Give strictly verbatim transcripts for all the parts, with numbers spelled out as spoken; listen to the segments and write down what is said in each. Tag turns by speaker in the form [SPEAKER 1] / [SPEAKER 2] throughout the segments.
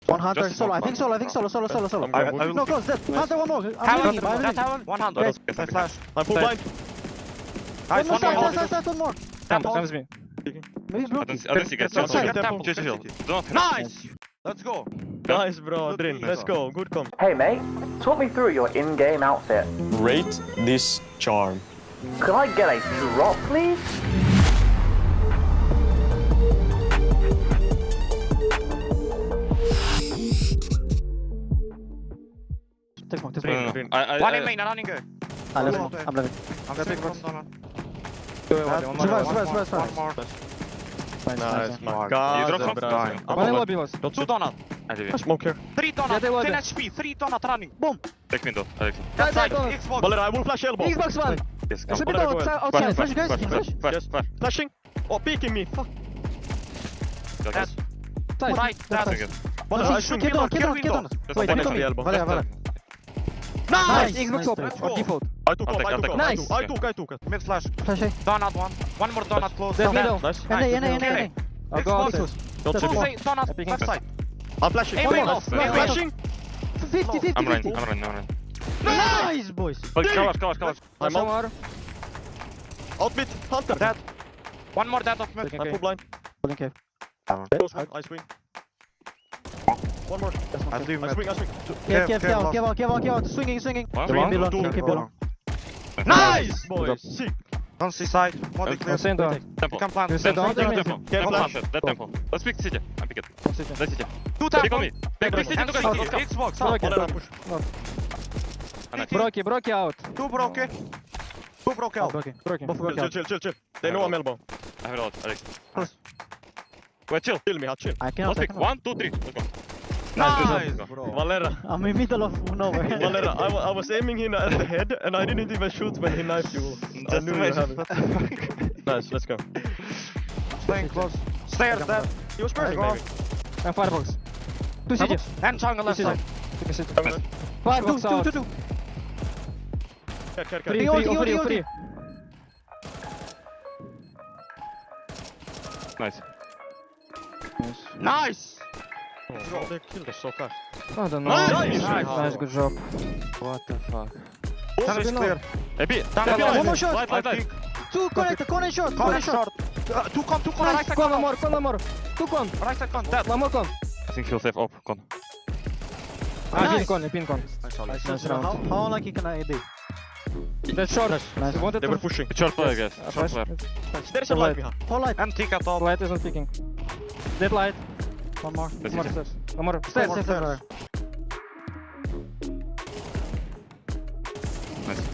[SPEAKER 1] One hunter,
[SPEAKER 2] Just
[SPEAKER 1] solo. I
[SPEAKER 2] smoke
[SPEAKER 1] think solo. I think solo. Solo. Solo. Solo.
[SPEAKER 3] I, I will
[SPEAKER 1] No, close. Dead. Hunter, one more. I'm
[SPEAKER 4] Heaven,
[SPEAKER 1] leaving him. I'm
[SPEAKER 4] that
[SPEAKER 1] leaving him.
[SPEAKER 4] heaven, one hundred.
[SPEAKER 1] Great.
[SPEAKER 4] Yes, I flash.
[SPEAKER 3] I'm full blind.
[SPEAKER 4] Nice,
[SPEAKER 1] One more
[SPEAKER 4] one
[SPEAKER 1] side,
[SPEAKER 4] more.
[SPEAKER 1] side, side, side, one more.
[SPEAKER 4] Temple.
[SPEAKER 5] That was me.
[SPEAKER 1] Maybe
[SPEAKER 2] I
[SPEAKER 1] block.
[SPEAKER 2] don't see, I don't see guys.
[SPEAKER 3] Temple,
[SPEAKER 2] Chill, chill,
[SPEAKER 3] temple,
[SPEAKER 2] chill, chill,
[SPEAKER 4] temple.
[SPEAKER 2] chill. Do not
[SPEAKER 4] Nice! Let's go.
[SPEAKER 3] Nice, bro. Drin, let's go. Good comp.
[SPEAKER 6] Hey mate, talk me through your in-game outfit.
[SPEAKER 7] Rate this charm.
[SPEAKER 6] Could I get a drop, please?
[SPEAKER 1] Take smoke. Take
[SPEAKER 2] No,
[SPEAKER 1] smoke.
[SPEAKER 2] no, no. I, I,
[SPEAKER 4] One
[SPEAKER 2] I,
[SPEAKER 4] in main, running go.
[SPEAKER 1] Ah, let's smoke. I'm leaving.
[SPEAKER 4] I'm gonna pick from Donald.
[SPEAKER 5] One more.
[SPEAKER 1] Survive,
[SPEAKER 4] One
[SPEAKER 1] survive,
[SPEAKER 4] more,
[SPEAKER 1] survive,
[SPEAKER 4] one more.
[SPEAKER 1] Nice,
[SPEAKER 3] Nice,
[SPEAKER 1] nice.
[SPEAKER 3] my
[SPEAKER 4] You
[SPEAKER 3] god.
[SPEAKER 2] drop from
[SPEAKER 3] bro.
[SPEAKER 4] dying.
[SPEAKER 3] I'm
[SPEAKER 5] One
[SPEAKER 3] full
[SPEAKER 5] more
[SPEAKER 3] blind.
[SPEAKER 5] B was.
[SPEAKER 4] Two Donald.
[SPEAKER 2] I leave it.
[SPEAKER 3] Smoke here.
[SPEAKER 4] Three Donald.
[SPEAKER 5] Yeah, they were
[SPEAKER 4] ten
[SPEAKER 5] there.
[SPEAKER 4] H P. Three Donald running.
[SPEAKER 1] Boom.
[SPEAKER 2] Take window, Alex.
[SPEAKER 4] That side.
[SPEAKER 5] Donald.
[SPEAKER 4] Xbox.
[SPEAKER 3] Valera, I will flash elbow.
[SPEAKER 1] Xbox one.
[SPEAKER 2] Yes, come.
[SPEAKER 1] Should be
[SPEAKER 3] Valera,
[SPEAKER 1] down
[SPEAKER 3] go ahead.
[SPEAKER 1] outside. Flash, you guys.
[SPEAKER 2] Flash,
[SPEAKER 1] Flash.
[SPEAKER 2] flash, flash,
[SPEAKER 3] Yes.
[SPEAKER 2] flash.
[SPEAKER 3] Flashing. Oh, peeking me. Fuck.
[SPEAKER 2] Got
[SPEAKER 4] That.
[SPEAKER 2] this.
[SPEAKER 5] Side.
[SPEAKER 4] Right.
[SPEAKER 2] That's
[SPEAKER 4] That.
[SPEAKER 2] good.
[SPEAKER 3] Valera, I swing.
[SPEAKER 1] Keep
[SPEAKER 4] Kill
[SPEAKER 1] on, keep
[SPEAKER 4] kill
[SPEAKER 1] on, keep on.
[SPEAKER 2] Just
[SPEAKER 1] Wait,
[SPEAKER 2] one
[SPEAKER 1] keep on
[SPEAKER 2] next
[SPEAKER 1] me.
[SPEAKER 2] to
[SPEAKER 3] elbow.
[SPEAKER 1] Valera, Valera.
[SPEAKER 4] Nice.
[SPEAKER 1] Nice.
[SPEAKER 5] Xbox
[SPEAKER 1] nice,
[SPEAKER 5] op.
[SPEAKER 1] nice.
[SPEAKER 5] Or default.
[SPEAKER 3] I took
[SPEAKER 2] I'll
[SPEAKER 3] off,
[SPEAKER 2] take-
[SPEAKER 3] I
[SPEAKER 2] I'll
[SPEAKER 3] took
[SPEAKER 2] take
[SPEAKER 3] off.
[SPEAKER 5] it.
[SPEAKER 3] I
[SPEAKER 5] Nice.
[SPEAKER 3] took, I took, I took it.
[SPEAKER 4] Mid flash.
[SPEAKER 1] Flash A.
[SPEAKER 4] Donald one. One more Donald close.
[SPEAKER 5] Dead
[SPEAKER 4] Dead.
[SPEAKER 5] middle.
[SPEAKER 3] Nice.
[SPEAKER 1] N A, N A, N A, N A.
[SPEAKER 5] I'll go out.
[SPEAKER 4] Xbox.
[SPEAKER 3] Don't
[SPEAKER 1] That's
[SPEAKER 3] see
[SPEAKER 1] one.
[SPEAKER 3] me.
[SPEAKER 4] Say Donald.
[SPEAKER 5] Picking
[SPEAKER 4] Left
[SPEAKER 5] up.
[SPEAKER 4] side.
[SPEAKER 3] I'm flashing.
[SPEAKER 4] Hey,
[SPEAKER 3] One
[SPEAKER 4] wait,
[SPEAKER 3] more.
[SPEAKER 4] off,
[SPEAKER 2] wait, wait.
[SPEAKER 3] Flashing.
[SPEAKER 1] fifty, fifty,
[SPEAKER 2] I'm running,
[SPEAKER 1] fifty.
[SPEAKER 2] I'm running, I'm running.
[SPEAKER 1] Nice, boys.
[SPEAKER 2] But cover, cover, cover.
[SPEAKER 3] I'm
[SPEAKER 5] One
[SPEAKER 3] out.
[SPEAKER 5] more.
[SPEAKER 3] Out mid. Hunter.
[SPEAKER 4] Dead. One more dead of mid.
[SPEAKER 5] Taking
[SPEAKER 3] I'm full
[SPEAKER 5] cave.
[SPEAKER 3] blind.
[SPEAKER 1] Holding cave.
[SPEAKER 3] Go swing. I swing. One more.
[SPEAKER 4] I leave
[SPEAKER 3] I
[SPEAKER 4] mid.
[SPEAKER 3] swing, I swing.
[SPEAKER 1] Cave, cave, cave, cave out, cave out, cave out. Swinging, swinging.
[SPEAKER 2] One.
[SPEAKER 1] Keep
[SPEAKER 5] Long.
[SPEAKER 1] belong,
[SPEAKER 3] Two.
[SPEAKER 1] keep belong.
[SPEAKER 3] Nice, boys. Sick.
[SPEAKER 4] Don't see side. More
[SPEAKER 2] I'm
[SPEAKER 4] clear.
[SPEAKER 5] I'm saying down.
[SPEAKER 4] You
[SPEAKER 2] Temple.
[SPEAKER 4] can plant.
[SPEAKER 5] You said
[SPEAKER 2] Temple,
[SPEAKER 5] down.
[SPEAKER 2] temple,
[SPEAKER 5] Temple.
[SPEAKER 2] temple.
[SPEAKER 3] Careful.
[SPEAKER 2] Temple hunter, that temple. Let's pick city. I'm pick it. Let's city.
[SPEAKER 4] Two
[SPEAKER 2] Pick on
[SPEAKER 4] temple.
[SPEAKER 2] me. Pick pick city
[SPEAKER 4] And
[SPEAKER 2] to
[SPEAKER 4] city.
[SPEAKER 2] go city.
[SPEAKER 4] Xbox.
[SPEAKER 5] Broke
[SPEAKER 4] Up.
[SPEAKER 5] it.
[SPEAKER 3] Valera, push.
[SPEAKER 5] Broky, Broky out.
[SPEAKER 4] Two broke. Two broke
[SPEAKER 1] Oh,
[SPEAKER 4] out.
[SPEAKER 1] broken.
[SPEAKER 5] Broky.
[SPEAKER 1] Both
[SPEAKER 3] Chill,
[SPEAKER 1] broke
[SPEAKER 3] chill,
[SPEAKER 1] out.
[SPEAKER 3] chill, chill, chill. They know I'm elbow.
[SPEAKER 2] I have it out, Alex.
[SPEAKER 1] Close.
[SPEAKER 2] Wait, chill.
[SPEAKER 3] Chill me, hot chill.
[SPEAKER 1] I cannot,
[SPEAKER 2] Let's
[SPEAKER 1] I
[SPEAKER 2] pick.
[SPEAKER 1] cannot.
[SPEAKER 2] One, two, three. Let's go.
[SPEAKER 4] Nice,
[SPEAKER 2] Let's go.
[SPEAKER 4] bro.
[SPEAKER 3] Valera.
[SPEAKER 1] I'm in middle of nowhere.
[SPEAKER 3] Valera, I, wa- I was aiming him at the head and I didn't even shoot when he knifed you. I
[SPEAKER 2] Just
[SPEAKER 3] knew you have
[SPEAKER 2] imagine.
[SPEAKER 3] it. Nice, let's go.
[SPEAKER 4] Staying close. Stairs dead.
[SPEAKER 3] He was burning
[SPEAKER 4] go.
[SPEAKER 3] maybe.
[SPEAKER 5] And firebox. Two cities.
[SPEAKER 4] And jungle left
[SPEAKER 5] Two
[SPEAKER 4] side.
[SPEAKER 5] cities. Two cities.
[SPEAKER 3] Nice.
[SPEAKER 1] Two,
[SPEAKER 5] Firebox
[SPEAKER 1] two,
[SPEAKER 5] out.
[SPEAKER 1] two, two.
[SPEAKER 3] Care, care, care.
[SPEAKER 5] Three,
[SPEAKER 1] Three,
[SPEAKER 5] three,
[SPEAKER 1] three,
[SPEAKER 5] oh, three,
[SPEAKER 1] three,
[SPEAKER 5] oh, three.
[SPEAKER 2] Nice.
[SPEAKER 4] Nice.
[SPEAKER 3] Oh, they killed us so fast.
[SPEAKER 5] I don't know.
[SPEAKER 3] Nice.
[SPEAKER 5] Nice,
[SPEAKER 4] Nice.
[SPEAKER 5] good job.
[SPEAKER 2] What the fuck?
[SPEAKER 4] Tunnel is
[SPEAKER 5] Signal.
[SPEAKER 4] clear.
[SPEAKER 2] A B.
[SPEAKER 4] Tunnel
[SPEAKER 3] One
[SPEAKER 4] light.
[SPEAKER 1] more shot.
[SPEAKER 2] Light, light, light.
[SPEAKER 1] Two connect, corner short,
[SPEAKER 4] Corner
[SPEAKER 1] corner short.
[SPEAKER 4] short. Uh, Two con, two con, right side
[SPEAKER 5] Con, one
[SPEAKER 4] con.
[SPEAKER 5] more, con, one more. Two con.
[SPEAKER 4] Right side con. Dead.
[SPEAKER 5] One more con.
[SPEAKER 2] I think he'll save up. Con.
[SPEAKER 5] Ah,
[SPEAKER 1] Nice.
[SPEAKER 5] pin con, pin con.
[SPEAKER 1] Nice
[SPEAKER 5] Nice
[SPEAKER 1] round.
[SPEAKER 5] round.
[SPEAKER 1] How, how lucky can I be?
[SPEAKER 5] That's short.
[SPEAKER 1] Nice.
[SPEAKER 5] You wanted
[SPEAKER 3] They
[SPEAKER 5] to...
[SPEAKER 3] were pushing.
[SPEAKER 2] Short player, guys.
[SPEAKER 5] Uh,
[SPEAKER 2] Short
[SPEAKER 5] flash.
[SPEAKER 2] player.
[SPEAKER 3] There's a light behind.
[SPEAKER 1] Whole light.
[SPEAKER 4] And tick at top.
[SPEAKER 5] Light isn't peeking. Dead light.
[SPEAKER 1] One more.
[SPEAKER 2] Let's
[SPEAKER 5] One more
[SPEAKER 2] see.
[SPEAKER 5] stairs. One more.
[SPEAKER 1] Stairs,
[SPEAKER 4] more
[SPEAKER 1] stairs,
[SPEAKER 4] stairs.
[SPEAKER 1] stairs.
[SPEAKER 2] Nice.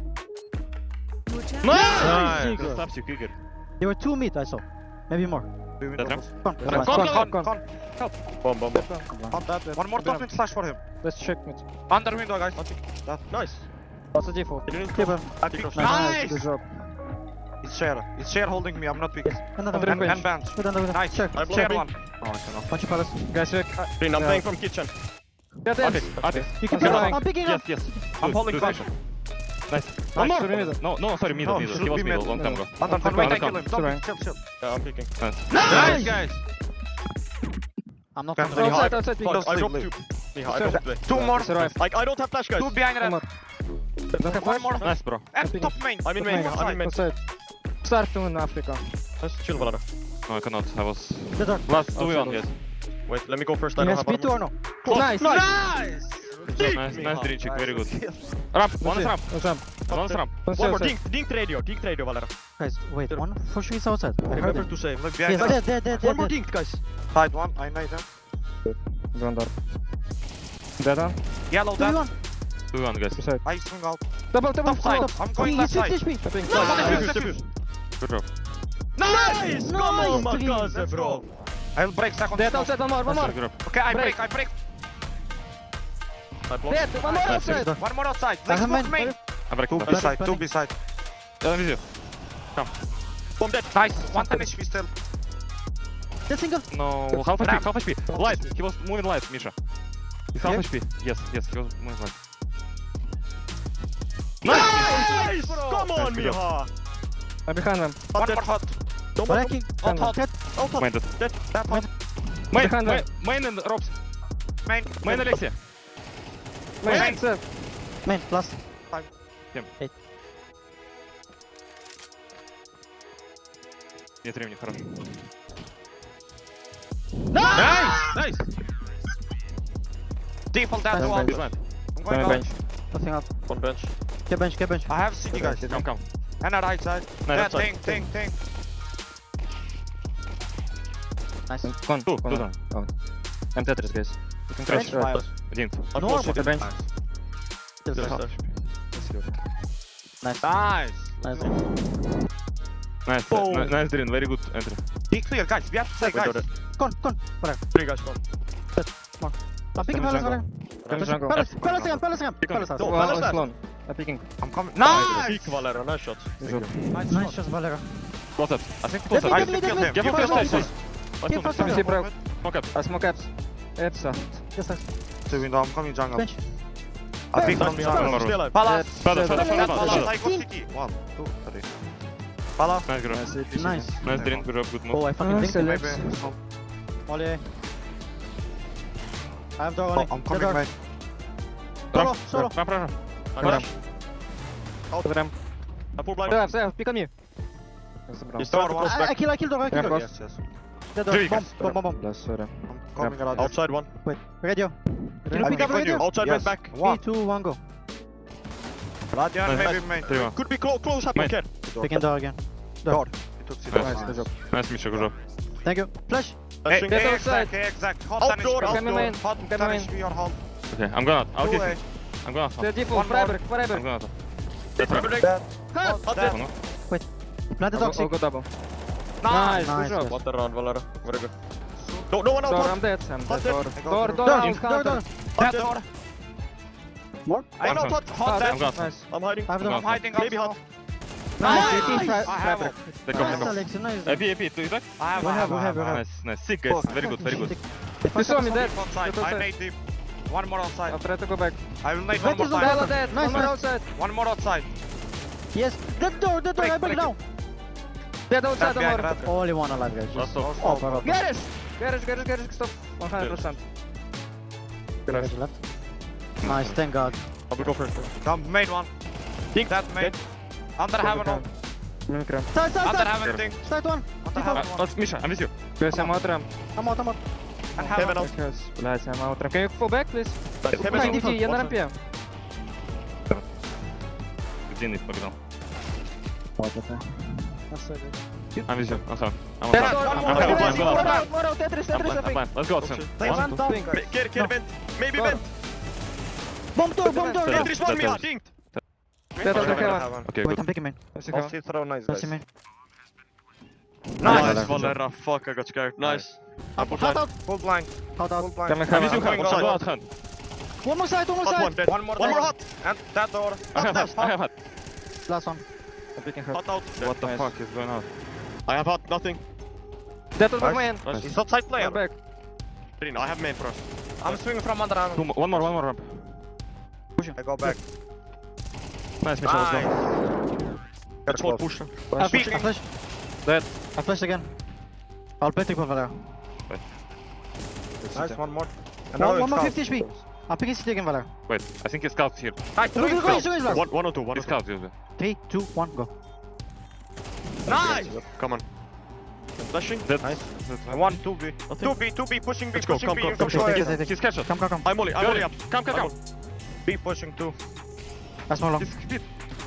[SPEAKER 3] Nice.
[SPEAKER 2] Good stops you, Cougar.
[SPEAKER 1] There were two mid, I saw. Maybe more.
[SPEAKER 2] That ramp?
[SPEAKER 1] Come,
[SPEAKER 4] Con,
[SPEAKER 1] come
[SPEAKER 4] con,
[SPEAKER 1] on.
[SPEAKER 4] con, con.
[SPEAKER 3] Bomb, bomb, bomb.
[SPEAKER 4] Con that. One more top mid flash for him.
[SPEAKER 5] Let's check mid.
[SPEAKER 4] Under window, guys.
[SPEAKER 3] Nice.
[SPEAKER 5] What's the default?
[SPEAKER 3] He didn't
[SPEAKER 1] Keep him.
[SPEAKER 4] I pick.
[SPEAKER 1] Nice.
[SPEAKER 4] Nice.
[SPEAKER 5] Good job.
[SPEAKER 4] It's share. It's share holding me. I'm not picking.
[SPEAKER 1] Another
[SPEAKER 5] Under
[SPEAKER 4] And,
[SPEAKER 1] one.
[SPEAKER 5] bench.
[SPEAKER 4] and bench.
[SPEAKER 1] Put another one.
[SPEAKER 4] Nice.
[SPEAKER 1] Check.
[SPEAKER 3] I blow
[SPEAKER 4] Share
[SPEAKER 3] me.
[SPEAKER 4] one. Oh, I cannot.
[SPEAKER 1] Punch your palace.
[SPEAKER 5] Guys, check.
[SPEAKER 3] Green, I'm
[SPEAKER 5] Yeah.
[SPEAKER 3] playing from kitchen.
[SPEAKER 5] Dead end.
[SPEAKER 2] Artist, artist.
[SPEAKER 1] You can
[SPEAKER 5] Okay,
[SPEAKER 1] pick
[SPEAKER 5] fine.
[SPEAKER 1] up. I'm picking
[SPEAKER 2] Yes,
[SPEAKER 1] up.
[SPEAKER 2] yes.
[SPEAKER 4] I'm
[SPEAKER 2] Good,
[SPEAKER 4] holding
[SPEAKER 2] good
[SPEAKER 4] con.
[SPEAKER 2] vision. Nice.
[SPEAKER 5] One
[SPEAKER 2] Nice.
[SPEAKER 5] more. Middle.
[SPEAKER 2] No, no, sorry, middle,
[SPEAKER 4] No,
[SPEAKER 2] middle.
[SPEAKER 4] should
[SPEAKER 2] He was
[SPEAKER 4] be
[SPEAKER 2] middle,
[SPEAKER 4] mid.
[SPEAKER 2] long time ago.
[SPEAKER 4] Under con.
[SPEAKER 5] Okay,
[SPEAKER 4] Wait, I
[SPEAKER 5] okay.
[SPEAKER 4] kill him. Don't
[SPEAKER 5] Sorry.
[SPEAKER 4] pick. Chill, chill.
[SPEAKER 3] Yeah, I'm picking.
[SPEAKER 2] Nice.
[SPEAKER 4] Nice, guys.
[SPEAKER 1] I'm not
[SPEAKER 4] Can
[SPEAKER 1] on
[SPEAKER 4] we
[SPEAKER 1] the
[SPEAKER 5] Outside, outside, peeking.
[SPEAKER 3] Fuck, I
[SPEAKER 4] leave,
[SPEAKER 3] dropped
[SPEAKER 4] leave.
[SPEAKER 3] two. Yeah, I
[SPEAKER 5] Sure.
[SPEAKER 3] dropped two.
[SPEAKER 4] Two more.
[SPEAKER 5] Survive.
[SPEAKER 3] Like, I don't have flash, guys.
[SPEAKER 4] Two behind
[SPEAKER 5] One
[SPEAKER 4] red.
[SPEAKER 5] more. Don't have
[SPEAKER 4] One
[SPEAKER 5] flash?
[SPEAKER 4] more.
[SPEAKER 2] Nice, bro.
[SPEAKER 4] And
[SPEAKER 5] Picking.
[SPEAKER 4] top main.
[SPEAKER 3] I'm in
[SPEAKER 5] Top
[SPEAKER 3] main.
[SPEAKER 5] main.
[SPEAKER 3] I'm in main.
[SPEAKER 5] Outside. Start to in Africa.
[SPEAKER 3] Let's chill, Valera.
[SPEAKER 2] No, I cannot. I was
[SPEAKER 1] The door.
[SPEAKER 2] last two
[SPEAKER 5] Outside
[SPEAKER 2] on, guys.
[SPEAKER 3] Wait, let me go first. I
[SPEAKER 1] You
[SPEAKER 3] don't
[SPEAKER 1] have
[SPEAKER 3] have
[SPEAKER 1] speed two or
[SPEAKER 3] armor.
[SPEAKER 1] no?
[SPEAKER 5] Nice.
[SPEAKER 4] Nice.
[SPEAKER 2] Nice, nice green chick, very good. Ramp, one is ramp,
[SPEAKER 5] One ramp.
[SPEAKER 2] one is ramp.
[SPEAKER 5] One
[SPEAKER 3] One more.
[SPEAKER 5] stairs.
[SPEAKER 3] Dink, dink radio. Dink radio, Valera.
[SPEAKER 1] Guys, wait. One for sure is outside. I heard
[SPEAKER 3] Remember
[SPEAKER 1] him.
[SPEAKER 3] to save.
[SPEAKER 4] Look
[SPEAKER 1] Yes,
[SPEAKER 4] behind
[SPEAKER 1] dead, dead, dead,
[SPEAKER 3] One more
[SPEAKER 1] dead.
[SPEAKER 3] dink, guys.
[SPEAKER 4] Side one. I made him.
[SPEAKER 5] One door. Dead one.
[SPEAKER 4] Yellow
[SPEAKER 1] Two
[SPEAKER 4] dead.
[SPEAKER 1] one.
[SPEAKER 2] Two on, guys.
[SPEAKER 5] Two side.
[SPEAKER 4] I swing out.
[SPEAKER 5] Double, double,
[SPEAKER 4] Top side.
[SPEAKER 5] double.
[SPEAKER 4] I'm going
[SPEAKER 1] He's
[SPEAKER 4] left side.
[SPEAKER 1] fifty H P.
[SPEAKER 5] Tapping.
[SPEAKER 4] No,
[SPEAKER 5] Nice.
[SPEAKER 4] defuse, defuse.
[SPEAKER 2] Good job.
[SPEAKER 4] Nice.
[SPEAKER 3] Come on, my
[SPEAKER 1] Nice,
[SPEAKER 3] guys,
[SPEAKER 4] Let's
[SPEAKER 3] bro.
[SPEAKER 4] go. I'll break second.
[SPEAKER 5] Dead
[SPEAKER 4] smoke.
[SPEAKER 5] outside, one more, one more.
[SPEAKER 2] Good job.
[SPEAKER 4] Okay, I
[SPEAKER 5] Break.
[SPEAKER 4] break. I break.
[SPEAKER 3] I blocked.
[SPEAKER 5] Dead, one more outside.
[SPEAKER 4] One more outside.
[SPEAKER 1] I
[SPEAKER 4] Let's
[SPEAKER 1] have
[SPEAKER 4] smoke
[SPEAKER 1] main.
[SPEAKER 4] main.
[SPEAKER 2] I break
[SPEAKER 4] Two
[SPEAKER 2] that.
[SPEAKER 4] beside. Two beside.
[SPEAKER 2] Yeah, with you.
[SPEAKER 3] Bomb dead.
[SPEAKER 4] Nice. One ten H P still.
[SPEAKER 1] Dead single.
[SPEAKER 2] No, half H P,
[SPEAKER 4] Ramp.
[SPEAKER 2] half H P. Light, he was moving light, Misha. He's half
[SPEAKER 1] Yeah?
[SPEAKER 2] H P. Yes, yes, he was moving light.
[SPEAKER 3] Nice!
[SPEAKER 4] bro.
[SPEAKER 3] Come on,
[SPEAKER 2] Nice, good
[SPEAKER 3] Miha.
[SPEAKER 5] I'm behind them.
[SPEAKER 4] One
[SPEAKER 3] dead.
[SPEAKER 4] more hot.
[SPEAKER 3] Double.
[SPEAKER 1] Wrecking.
[SPEAKER 4] Hot, hot.
[SPEAKER 1] Dead.
[SPEAKER 3] Out, out.
[SPEAKER 2] Minded.
[SPEAKER 3] Dead.
[SPEAKER 4] That hot.
[SPEAKER 2] Main,
[SPEAKER 5] Behind
[SPEAKER 2] main,
[SPEAKER 5] them.
[SPEAKER 2] main and ropes.
[SPEAKER 4] main.
[SPEAKER 2] Main Alexia.
[SPEAKER 5] Main,
[SPEAKER 4] Main.
[SPEAKER 5] set.
[SPEAKER 1] Main, last.
[SPEAKER 2] Нет времени, хорош.
[SPEAKER 4] Nice! Nice! Default that
[SPEAKER 1] Nice.
[SPEAKER 4] one.
[SPEAKER 2] He's blind.
[SPEAKER 4] I'm
[SPEAKER 5] Coming
[SPEAKER 4] going
[SPEAKER 5] bench.
[SPEAKER 4] out.
[SPEAKER 1] Nothing up.
[SPEAKER 3] One bench.
[SPEAKER 1] Get bench, get bench.
[SPEAKER 4] I have city guys.
[SPEAKER 2] Come, come.
[SPEAKER 4] And a right side.
[SPEAKER 2] No,
[SPEAKER 4] That
[SPEAKER 2] left side.
[SPEAKER 4] thing, thing, thing.
[SPEAKER 1] Nice.
[SPEAKER 5] Con,
[SPEAKER 2] Two,
[SPEAKER 5] con.
[SPEAKER 2] two down.
[SPEAKER 5] Oh. I'm Tetris, guys. You can
[SPEAKER 1] Bench.
[SPEAKER 5] crash. Right.
[SPEAKER 2] Один.
[SPEAKER 1] No,
[SPEAKER 3] Unfortunately,
[SPEAKER 5] the bench.
[SPEAKER 1] Still
[SPEAKER 3] Nice,
[SPEAKER 1] top.
[SPEAKER 3] nice.
[SPEAKER 5] Let's go.
[SPEAKER 1] Nice.
[SPEAKER 4] Nice.
[SPEAKER 1] Nice.
[SPEAKER 2] Nice,
[SPEAKER 4] Boom.
[SPEAKER 2] nice, nice Drin, very good entry.
[SPEAKER 4] Be clear, guys. We have to say,
[SPEAKER 3] We got
[SPEAKER 4] guys.
[SPEAKER 3] it.
[SPEAKER 1] Con, con. Whatever.
[SPEAKER 3] Three guys gone.
[SPEAKER 1] I'm picking
[SPEAKER 5] Coming
[SPEAKER 1] Palace
[SPEAKER 5] jungle.
[SPEAKER 1] again.
[SPEAKER 5] Coming jungle.
[SPEAKER 1] Palace, Palace again, Palace again.
[SPEAKER 2] Pick on
[SPEAKER 1] Palace
[SPEAKER 2] me.
[SPEAKER 1] house.
[SPEAKER 3] No.
[SPEAKER 5] One
[SPEAKER 3] Palace
[SPEAKER 5] on
[SPEAKER 3] left.
[SPEAKER 5] Sloan. I'm picking.
[SPEAKER 4] I'm coming. Nice!
[SPEAKER 3] Peek Valera, nice shot.
[SPEAKER 5] He's
[SPEAKER 3] Very
[SPEAKER 5] up.
[SPEAKER 3] good.
[SPEAKER 4] Nice
[SPEAKER 1] Nice
[SPEAKER 4] shot.
[SPEAKER 1] shots, Valera.
[SPEAKER 2] Close up. I think
[SPEAKER 1] Let
[SPEAKER 2] close
[SPEAKER 1] me,
[SPEAKER 2] up.
[SPEAKER 1] let me, let me.
[SPEAKER 2] Give him
[SPEAKER 1] Follow
[SPEAKER 2] first
[SPEAKER 1] me,
[SPEAKER 2] stage.
[SPEAKER 1] please. Give
[SPEAKER 2] Let's
[SPEAKER 1] first
[SPEAKER 5] Let me see,
[SPEAKER 1] stage.
[SPEAKER 5] bro.
[SPEAKER 2] Smoke up.
[SPEAKER 5] I smoke caps. It's uh.
[SPEAKER 1] Yes, nice.
[SPEAKER 4] Two window, I'm coming jungle.
[SPEAKER 1] Bench.
[SPEAKER 4] I pick
[SPEAKER 1] Bench.
[SPEAKER 4] on
[SPEAKER 3] Stay
[SPEAKER 4] jungle.
[SPEAKER 2] Palace.
[SPEAKER 3] alive.
[SPEAKER 4] Palace.
[SPEAKER 2] Palace, Palace,
[SPEAKER 1] Palace.
[SPEAKER 2] Palace,
[SPEAKER 4] Palace,
[SPEAKER 2] Palace.
[SPEAKER 4] I go city. One, two, three. Palace.
[SPEAKER 2] Nice grab.
[SPEAKER 5] Nice.
[SPEAKER 1] Nice.
[SPEAKER 2] Nice Drin, good job, good move.
[SPEAKER 1] Oh, I fucking
[SPEAKER 5] Nice,
[SPEAKER 1] think.
[SPEAKER 5] Alex.
[SPEAKER 4] Maybe. No.
[SPEAKER 1] Ollie. I have door,
[SPEAKER 4] Oh,
[SPEAKER 1] Ollie.
[SPEAKER 4] I'm
[SPEAKER 1] The
[SPEAKER 4] coming
[SPEAKER 1] door.
[SPEAKER 4] back.
[SPEAKER 1] Solo, solo.
[SPEAKER 2] Run, run, run.
[SPEAKER 3] I
[SPEAKER 5] Go
[SPEAKER 3] got
[SPEAKER 5] down. Over them.
[SPEAKER 3] I pull blind.
[SPEAKER 5] Safe, safe. Pick on you. That's the brown.
[SPEAKER 3] He's starting to
[SPEAKER 4] Door
[SPEAKER 3] close
[SPEAKER 1] I, I
[SPEAKER 3] back.
[SPEAKER 1] kill, I kill door, I kill
[SPEAKER 5] Yeah,
[SPEAKER 1] door.
[SPEAKER 5] cross.
[SPEAKER 4] Yes, yes.
[SPEAKER 1] The door.
[SPEAKER 2] Three
[SPEAKER 1] Bomb,
[SPEAKER 2] guys.
[SPEAKER 1] bomb, bomb, bomb.
[SPEAKER 5] Bless, sorry.
[SPEAKER 4] I'm coming around.
[SPEAKER 3] Outside one.
[SPEAKER 1] Wait, radio. Can you
[SPEAKER 4] I'm
[SPEAKER 1] pick up
[SPEAKER 4] behind you.
[SPEAKER 1] radio?
[SPEAKER 3] Outside
[SPEAKER 4] Yes.
[SPEAKER 3] went back.
[SPEAKER 4] One.
[SPEAKER 1] Three, two, one, go.
[SPEAKER 4] Radiant,
[SPEAKER 2] Nice.
[SPEAKER 4] maybe main.
[SPEAKER 2] Three one.
[SPEAKER 3] Could be close, close up,
[SPEAKER 2] Main.
[SPEAKER 3] Ken.
[SPEAKER 1] Picking door again.
[SPEAKER 4] Door. He took city.
[SPEAKER 5] Nice, good job.
[SPEAKER 2] Nice Misha, good job.
[SPEAKER 1] Thank you. Flash.
[SPEAKER 4] Hey,
[SPEAKER 3] Touching.
[SPEAKER 5] Get
[SPEAKER 4] hey,
[SPEAKER 5] outside.
[SPEAKER 4] exact, hey, exact. Hot
[SPEAKER 3] Outdoor,
[SPEAKER 4] ten H P.
[SPEAKER 3] outdoor.
[SPEAKER 5] Come in.
[SPEAKER 4] Hot
[SPEAKER 5] Come
[SPEAKER 4] ten
[SPEAKER 5] in.
[SPEAKER 4] H P or hot.
[SPEAKER 2] Okay, I'm going out. I'll
[SPEAKER 4] Two
[SPEAKER 2] kiss
[SPEAKER 4] way.
[SPEAKER 2] him. I'm going out.
[SPEAKER 5] The default.
[SPEAKER 4] One more.
[SPEAKER 5] Forever,
[SPEAKER 2] I'm
[SPEAKER 5] forever.
[SPEAKER 2] going out.
[SPEAKER 3] That's
[SPEAKER 2] That's
[SPEAKER 3] right.
[SPEAKER 4] Dead.
[SPEAKER 1] Hot.
[SPEAKER 4] Hot
[SPEAKER 3] dead.
[SPEAKER 4] dead.
[SPEAKER 1] Plant the
[SPEAKER 5] I'll go, I'll
[SPEAKER 1] toxic.
[SPEAKER 5] go double.
[SPEAKER 4] Nice.
[SPEAKER 5] Nice,
[SPEAKER 1] Nice,
[SPEAKER 5] good job.
[SPEAKER 1] yes.
[SPEAKER 3] What the round, Valera. Very good. No, no one out.
[SPEAKER 5] Door,
[SPEAKER 3] Door,
[SPEAKER 5] I'm dead. I'm
[SPEAKER 3] Hot
[SPEAKER 5] dead.
[SPEAKER 3] dead.
[SPEAKER 5] Door,
[SPEAKER 4] I go
[SPEAKER 5] door,
[SPEAKER 4] through.
[SPEAKER 5] door.
[SPEAKER 1] Door,
[SPEAKER 5] I'm
[SPEAKER 1] door,
[SPEAKER 5] counter.
[SPEAKER 1] door.
[SPEAKER 4] Hot door.
[SPEAKER 1] More?
[SPEAKER 4] I know
[SPEAKER 2] One
[SPEAKER 4] hot. Hot
[SPEAKER 5] Ah,
[SPEAKER 4] dead.
[SPEAKER 2] I'm going out.
[SPEAKER 5] Nice.
[SPEAKER 3] I'm hiding.
[SPEAKER 1] I have
[SPEAKER 2] I'm
[SPEAKER 1] door.
[SPEAKER 2] out.
[SPEAKER 4] I'm hiding
[SPEAKER 3] Maybe
[SPEAKER 4] also.
[SPEAKER 3] hot.
[SPEAKER 1] Nice.
[SPEAKER 4] Nice.
[SPEAKER 1] Nice.
[SPEAKER 4] I have
[SPEAKER 1] Fabric.
[SPEAKER 4] it.
[SPEAKER 2] Take off,
[SPEAKER 1] Nice,
[SPEAKER 2] take off.
[SPEAKER 1] Alex. Nice.
[SPEAKER 2] A P, A P, do you back?
[SPEAKER 4] I have,
[SPEAKER 1] We
[SPEAKER 4] I
[SPEAKER 1] have,
[SPEAKER 4] have,
[SPEAKER 1] we
[SPEAKER 4] I
[SPEAKER 1] have, we
[SPEAKER 4] have.
[SPEAKER 1] have.
[SPEAKER 2] Nice, nice. Sick guys, very good, very good.
[SPEAKER 4] Nice.
[SPEAKER 5] saw me dead.
[SPEAKER 4] Deep outside.
[SPEAKER 5] Deep
[SPEAKER 4] I
[SPEAKER 5] outside.
[SPEAKER 4] made deep. One more outside.
[SPEAKER 5] I'll try to go back.
[SPEAKER 4] I will make
[SPEAKER 1] Wait,
[SPEAKER 4] one more
[SPEAKER 1] is the
[SPEAKER 4] time.
[SPEAKER 5] Bella dead.
[SPEAKER 1] Nice,
[SPEAKER 5] One more
[SPEAKER 1] nice.
[SPEAKER 5] outside.
[SPEAKER 4] One more outside.
[SPEAKER 1] Yes. That door, that door.
[SPEAKER 4] Break,
[SPEAKER 1] I break
[SPEAKER 4] break
[SPEAKER 1] now.
[SPEAKER 5] Dead outside.
[SPEAKER 4] That guy,
[SPEAKER 5] One more.
[SPEAKER 4] red.
[SPEAKER 1] Only one alive, guys.
[SPEAKER 2] Last
[SPEAKER 1] Just
[SPEAKER 2] off.
[SPEAKER 1] oh, power up.
[SPEAKER 5] Garage. Garage, garage, garage. Stop. one hundred percent.
[SPEAKER 1] Garage left. Nice, thank God.
[SPEAKER 3] I will go first.
[SPEAKER 4] Come, made one.
[SPEAKER 3] Think
[SPEAKER 4] That made. Under heaven one.
[SPEAKER 5] Mimikram.
[SPEAKER 1] Side, side,
[SPEAKER 4] Under
[SPEAKER 1] side.
[SPEAKER 4] heaven thing.
[SPEAKER 1] Side one.
[SPEAKER 4] Under
[SPEAKER 2] Uh,
[SPEAKER 4] heaven one.
[SPEAKER 2] let's- Misha, I'm with you.
[SPEAKER 5] Guys, I'm out ramp.
[SPEAKER 1] I'm out, I'm out.
[SPEAKER 4] And
[SPEAKER 3] Heaven
[SPEAKER 4] heaven.
[SPEAKER 3] out.
[SPEAKER 5] Guys, guys, I'm out ramp. Can you fall back, please?
[SPEAKER 3] Heaven
[SPEAKER 1] Nice,
[SPEAKER 3] out.
[SPEAKER 5] D T, я на рампе.
[SPEAKER 2] Длинный погнал.
[SPEAKER 1] That's so good.
[SPEAKER 2] I'm with you. I'm sorry. I'm
[SPEAKER 5] Dead
[SPEAKER 2] on
[SPEAKER 5] door.
[SPEAKER 2] I'm
[SPEAKER 5] More
[SPEAKER 2] on
[SPEAKER 5] out,
[SPEAKER 2] I'm
[SPEAKER 5] more
[SPEAKER 2] on
[SPEAKER 5] out, more out. Tetris,
[SPEAKER 2] I'm
[SPEAKER 5] Tetris,
[SPEAKER 2] blind,
[SPEAKER 5] I
[SPEAKER 2] I'm
[SPEAKER 5] think.
[SPEAKER 2] blind. Let's go, Sam.
[SPEAKER 1] Take
[SPEAKER 2] One,
[SPEAKER 1] one,
[SPEAKER 2] two.
[SPEAKER 1] top.
[SPEAKER 3] Care, care, vent. Maybe
[SPEAKER 5] Door.
[SPEAKER 3] vent.
[SPEAKER 1] Bomb door, bomb door.
[SPEAKER 2] Dead.
[SPEAKER 1] go.
[SPEAKER 3] Tetris one me hard. Dinked.
[SPEAKER 5] Dead out of
[SPEAKER 4] Heaven,
[SPEAKER 5] heaven.
[SPEAKER 4] heaven.
[SPEAKER 2] Okay,
[SPEAKER 1] Wait,
[SPEAKER 2] good.
[SPEAKER 1] I'm picking main.
[SPEAKER 5] Let's
[SPEAKER 3] I'll
[SPEAKER 5] go.
[SPEAKER 3] see throw nice
[SPEAKER 1] Let's see
[SPEAKER 3] guys.
[SPEAKER 1] main.
[SPEAKER 3] Nice,
[SPEAKER 2] Nice.
[SPEAKER 3] Valera. Fuck, I got scared. Nice. I put
[SPEAKER 1] Hot
[SPEAKER 3] blind.
[SPEAKER 1] out.
[SPEAKER 4] Full blind.
[SPEAKER 1] Hot
[SPEAKER 4] Full
[SPEAKER 1] out.
[SPEAKER 4] blind.
[SPEAKER 5] Coming
[SPEAKER 2] I'm with you,
[SPEAKER 5] heaven.
[SPEAKER 2] Khan. I'm going out, Khan.
[SPEAKER 1] One more side, one more
[SPEAKER 3] Hot one
[SPEAKER 1] side.
[SPEAKER 3] dead.
[SPEAKER 4] One more
[SPEAKER 3] One more
[SPEAKER 4] dead.
[SPEAKER 3] hot.
[SPEAKER 4] And that door.
[SPEAKER 2] I have hot. I have hot.
[SPEAKER 1] Last one.
[SPEAKER 5] I'm picking hot.
[SPEAKER 3] Hot out.
[SPEAKER 2] What the
[SPEAKER 5] Nice.
[SPEAKER 2] fuck is going on?
[SPEAKER 3] I have hot. Nothing.
[SPEAKER 5] Dead out of
[SPEAKER 4] Nice.
[SPEAKER 5] main.
[SPEAKER 3] Nice.
[SPEAKER 4] He's outside
[SPEAKER 5] Go
[SPEAKER 4] player.
[SPEAKER 5] back.
[SPEAKER 3] Green, I have main first.
[SPEAKER 4] I'm swinging from under heaven.
[SPEAKER 2] Two more, one more, one more ramp.
[SPEAKER 4] I go back.
[SPEAKER 2] Nice, Misha, let's go.
[SPEAKER 3] Let's hold push.
[SPEAKER 1] I flash.
[SPEAKER 4] Peeking.
[SPEAKER 1] I flash.
[SPEAKER 2] Dead.
[SPEAKER 1] I flash again. I'll play triple Valera.
[SPEAKER 4] Nice, one more. And
[SPEAKER 1] One,
[SPEAKER 4] now
[SPEAKER 1] one more
[SPEAKER 4] it's
[SPEAKER 1] fifty H P. I'm picking city again, Valera.
[SPEAKER 2] Wait, I think he scouts here.
[SPEAKER 4] Nice,
[SPEAKER 1] Go, go, go, go, go, go, go.
[SPEAKER 3] One, one or two. One
[SPEAKER 2] He
[SPEAKER 3] or two.
[SPEAKER 2] scouts usually.
[SPEAKER 1] Three, two, one, go.
[SPEAKER 4] Nice.
[SPEAKER 3] Come on. Flashing.
[SPEAKER 2] Dead.
[SPEAKER 4] Nice.
[SPEAKER 2] That's
[SPEAKER 4] One, two B. Two B, two B, pushing B,
[SPEAKER 3] Let's go,
[SPEAKER 4] pushing
[SPEAKER 3] come,
[SPEAKER 4] B.
[SPEAKER 3] come,
[SPEAKER 4] You
[SPEAKER 3] come,
[SPEAKER 4] can
[SPEAKER 3] come,
[SPEAKER 4] go
[SPEAKER 1] Take it,
[SPEAKER 4] ahead.
[SPEAKER 1] take it.
[SPEAKER 2] He's headshot.
[SPEAKER 1] Come, come, come.
[SPEAKER 3] I'm Molly. I'm
[SPEAKER 2] Go
[SPEAKER 3] Molly
[SPEAKER 2] ahead.
[SPEAKER 3] up.
[SPEAKER 2] Come, come,
[SPEAKER 3] I'm
[SPEAKER 2] come.
[SPEAKER 4] B pushing two.
[SPEAKER 1] That's more long.
[SPEAKER 2] He's speed.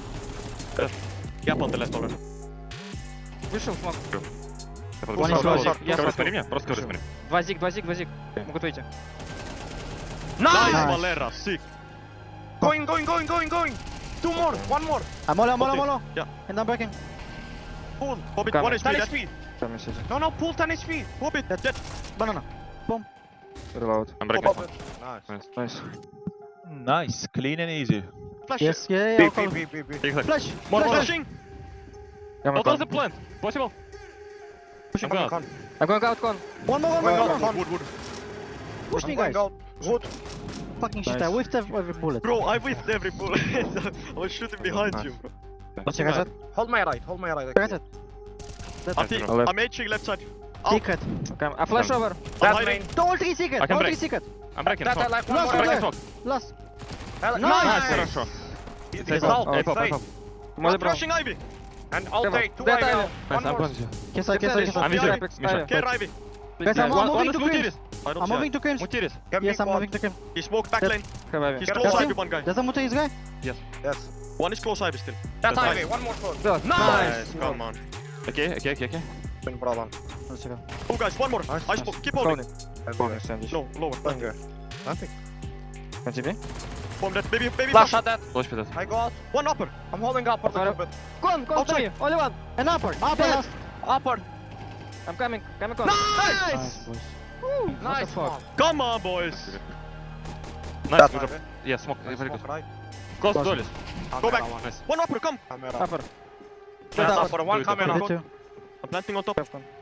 [SPEAKER 3] Я по лeft already.
[SPEAKER 5] Вышел, смог.
[SPEAKER 1] One is
[SPEAKER 2] Просто
[SPEAKER 1] short.
[SPEAKER 5] Я
[SPEAKER 2] Говори,
[SPEAKER 5] смог.
[SPEAKER 2] смотри меня, просто говори, смотри.
[SPEAKER 5] Два зиг, два зиг, два зиг. Могут выйти.
[SPEAKER 3] Nice,
[SPEAKER 1] Nice.
[SPEAKER 3] Valera. Sick.
[SPEAKER 4] Going, going, going, going, going. Two more, one more.
[SPEAKER 1] I'm all, I'm all, I'm
[SPEAKER 3] Okay.
[SPEAKER 1] all.
[SPEAKER 3] Yeah.
[SPEAKER 1] And I'm breaking.
[SPEAKER 4] Pull.
[SPEAKER 3] Hobbit,
[SPEAKER 5] Come.
[SPEAKER 3] one H P.
[SPEAKER 4] ten
[SPEAKER 3] dead.
[SPEAKER 4] H P.
[SPEAKER 5] Там есть эти.
[SPEAKER 4] No, no, pull ten H P.
[SPEAKER 3] Hobbit, dead.
[SPEAKER 1] Banana.
[SPEAKER 5] Reload.
[SPEAKER 2] I'm breaking.
[SPEAKER 4] Nice.
[SPEAKER 5] Nice.
[SPEAKER 8] Nice, clean and easy.
[SPEAKER 3] Flash.
[SPEAKER 1] Yes, yeah, yeah,
[SPEAKER 4] B,
[SPEAKER 1] I'll
[SPEAKER 4] B,
[SPEAKER 1] follow.
[SPEAKER 4] B, B, B.
[SPEAKER 2] Exactly.
[SPEAKER 1] Flash.
[SPEAKER 3] More
[SPEAKER 1] Flash.
[SPEAKER 3] flashing.
[SPEAKER 5] I'm
[SPEAKER 2] What
[SPEAKER 5] con.
[SPEAKER 2] was the plan? Possible? I'm going out.
[SPEAKER 4] Con.
[SPEAKER 5] I'm going out con.
[SPEAKER 1] One more, one more,
[SPEAKER 4] Going
[SPEAKER 1] one
[SPEAKER 4] out,
[SPEAKER 1] more.
[SPEAKER 4] con.
[SPEAKER 3] Wood, wood.
[SPEAKER 1] Push
[SPEAKER 4] I'm
[SPEAKER 1] me,
[SPEAKER 4] going
[SPEAKER 1] guys.
[SPEAKER 4] out. Wood.
[SPEAKER 1] Fucking shit,
[SPEAKER 5] Nice.
[SPEAKER 1] I whiffed every every bullet.
[SPEAKER 3] Bro, I whiffed every bullet. I was shooting behind
[SPEAKER 2] Nice.
[SPEAKER 3] you, bro.
[SPEAKER 1] What's your guys at?
[SPEAKER 4] Hold my right, hold my right.
[SPEAKER 1] Guys at?
[SPEAKER 3] I'm,
[SPEAKER 2] Nice,
[SPEAKER 3] peek-
[SPEAKER 2] bro.
[SPEAKER 5] Left.
[SPEAKER 3] I'm H-ing left side.
[SPEAKER 1] Secret.
[SPEAKER 5] Okay, a flash over.
[SPEAKER 4] That
[SPEAKER 2] hiding.
[SPEAKER 4] main.
[SPEAKER 1] Don't three secret.
[SPEAKER 2] I can
[SPEAKER 1] Don't
[SPEAKER 2] break.
[SPEAKER 1] three secret.
[SPEAKER 2] I'm breaking
[SPEAKER 4] That I
[SPEAKER 2] smoke.
[SPEAKER 4] like one
[SPEAKER 1] Last
[SPEAKER 4] more.
[SPEAKER 2] I'm breaking
[SPEAKER 1] over.
[SPEAKER 2] smoke.
[SPEAKER 1] Last.
[SPEAKER 4] Hell-
[SPEAKER 1] Nice.
[SPEAKER 2] Nice, хорошо.
[SPEAKER 4] He's
[SPEAKER 2] Take
[SPEAKER 4] out.
[SPEAKER 2] off.
[SPEAKER 5] Oh,
[SPEAKER 2] A pop, A
[SPEAKER 4] safe.
[SPEAKER 2] pop.
[SPEAKER 5] Може
[SPEAKER 3] I'm
[SPEAKER 5] бро.
[SPEAKER 3] flashing Ivy.
[SPEAKER 4] And I'll
[SPEAKER 5] Come on.
[SPEAKER 4] take two
[SPEAKER 5] That
[SPEAKER 4] Ivy
[SPEAKER 5] Ivy.
[SPEAKER 4] out.
[SPEAKER 2] Nice,
[SPEAKER 4] One
[SPEAKER 2] I'm
[SPEAKER 4] more.
[SPEAKER 2] going to.
[SPEAKER 1] Kiss side, kiss side, kiss
[SPEAKER 2] I'm
[SPEAKER 1] side.
[SPEAKER 2] with you.
[SPEAKER 5] Apex,
[SPEAKER 2] Misha.
[SPEAKER 5] Apex.
[SPEAKER 3] Care Ivy.
[SPEAKER 1] Guys, I'm, I'm
[SPEAKER 2] One
[SPEAKER 1] moving
[SPEAKER 2] is
[SPEAKER 1] to
[SPEAKER 2] blue
[SPEAKER 1] Crims.
[SPEAKER 2] tiris.
[SPEAKER 3] I don't
[SPEAKER 1] I'm
[SPEAKER 3] see
[SPEAKER 1] moving to Crims.
[SPEAKER 2] Mutiris.
[SPEAKER 4] Get me
[SPEAKER 1] Yes, I'm
[SPEAKER 4] quad.
[SPEAKER 1] moving to Crims.
[SPEAKER 3] He smoked back lane.
[SPEAKER 5] Have Ivy.
[SPEAKER 3] He's
[SPEAKER 1] That's
[SPEAKER 3] close
[SPEAKER 1] him.
[SPEAKER 3] Ivy, one guy.
[SPEAKER 1] Does that mutter his guy?
[SPEAKER 4] Yes.
[SPEAKER 3] One is close Ivy still.
[SPEAKER 4] That
[SPEAKER 2] That's
[SPEAKER 4] Ivy.
[SPEAKER 2] nice.
[SPEAKER 4] One more close.
[SPEAKER 5] Good.
[SPEAKER 3] Nice, come on.
[SPEAKER 2] Okay, okay, okay, okay.
[SPEAKER 4] No problem.
[SPEAKER 1] Let's go.
[SPEAKER 3] Oh guys, one more. I spoke. Keep holding.
[SPEAKER 5] Bonus sandwich.
[SPEAKER 3] No, lower.
[SPEAKER 4] Nothing.
[SPEAKER 5] Can T P?
[SPEAKER 3] Bomb that. Baby, baby.
[SPEAKER 4] Flash
[SPEAKER 3] flash.
[SPEAKER 4] at that.
[SPEAKER 2] Flash pit.
[SPEAKER 4] I got.
[SPEAKER 3] One upper.
[SPEAKER 4] I'm holding up for the
[SPEAKER 5] Sorry.
[SPEAKER 4] bit.
[SPEAKER 5] Con, con,
[SPEAKER 3] Outside.
[SPEAKER 5] three. Only one.
[SPEAKER 1] An upper. Upper last.
[SPEAKER 4] Upper.
[SPEAKER 5] I'm coming. Coming con.
[SPEAKER 1] Nice.
[SPEAKER 3] Nice.
[SPEAKER 1] boys.
[SPEAKER 4] Nice
[SPEAKER 5] fuck?
[SPEAKER 4] one.
[SPEAKER 3] Come on, boys.
[SPEAKER 2] Nice.
[SPEAKER 4] That
[SPEAKER 2] good job.
[SPEAKER 4] Ivy.
[SPEAKER 2] Yeah, smoke. Very good.
[SPEAKER 4] Smoke right.
[SPEAKER 2] Close to Dolis.
[SPEAKER 3] Go back.
[SPEAKER 4] Camera
[SPEAKER 2] Nice.
[SPEAKER 3] One upper, come.
[SPEAKER 4] one.
[SPEAKER 5] Upper.
[SPEAKER 4] That's
[SPEAKER 2] upper.
[SPEAKER 4] upper. One
[SPEAKER 2] Do it,
[SPEAKER 4] coming
[SPEAKER 2] upper.
[SPEAKER 1] Hit
[SPEAKER 4] up.
[SPEAKER 1] two.
[SPEAKER 3] I'm planting on top.
[SPEAKER 5] Have con.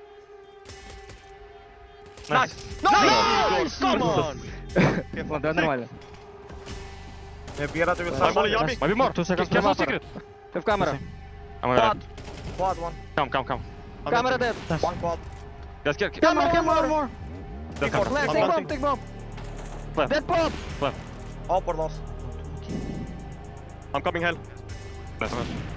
[SPEAKER 2] Nice.
[SPEAKER 3] Nice. Come on.
[SPEAKER 5] Ладно, да, нормально.
[SPEAKER 4] Yeah, Bira to your
[SPEAKER 3] I'm only
[SPEAKER 4] side.
[SPEAKER 3] Yami.
[SPEAKER 2] Maybe more.
[SPEAKER 1] Two seconds.
[SPEAKER 2] Careful,
[SPEAKER 5] Upper.
[SPEAKER 2] secret.
[SPEAKER 5] Have camera.
[SPEAKER 2] I'm gonna
[SPEAKER 4] Quad. Quad one.
[SPEAKER 2] Come, come, come.
[SPEAKER 3] I'm
[SPEAKER 5] Camera
[SPEAKER 3] planting.
[SPEAKER 5] dead.
[SPEAKER 4] One quad.
[SPEAKER 2] Guys, get, get.
[SPEAKER 1] Camera, camera, one more.
[SPEAKER 2] Dead
[SPEAKER 4] Before.
[SPEAKER 2] camera.
[SPEAKER 5] Flash,
[SPEAKER 3] I'm
[SPEAKER 5] take bomb,
[SPEAKER 3] planting.
[SPEAKER 5] take bomb.
[SPEAKER 2] Left.
[SPEAKER 5] Dead pop.
[SPEAKER 4] Upper lost.
[SPEAKER 3] I'm coming hell.
[SPEAKER 2] Nice.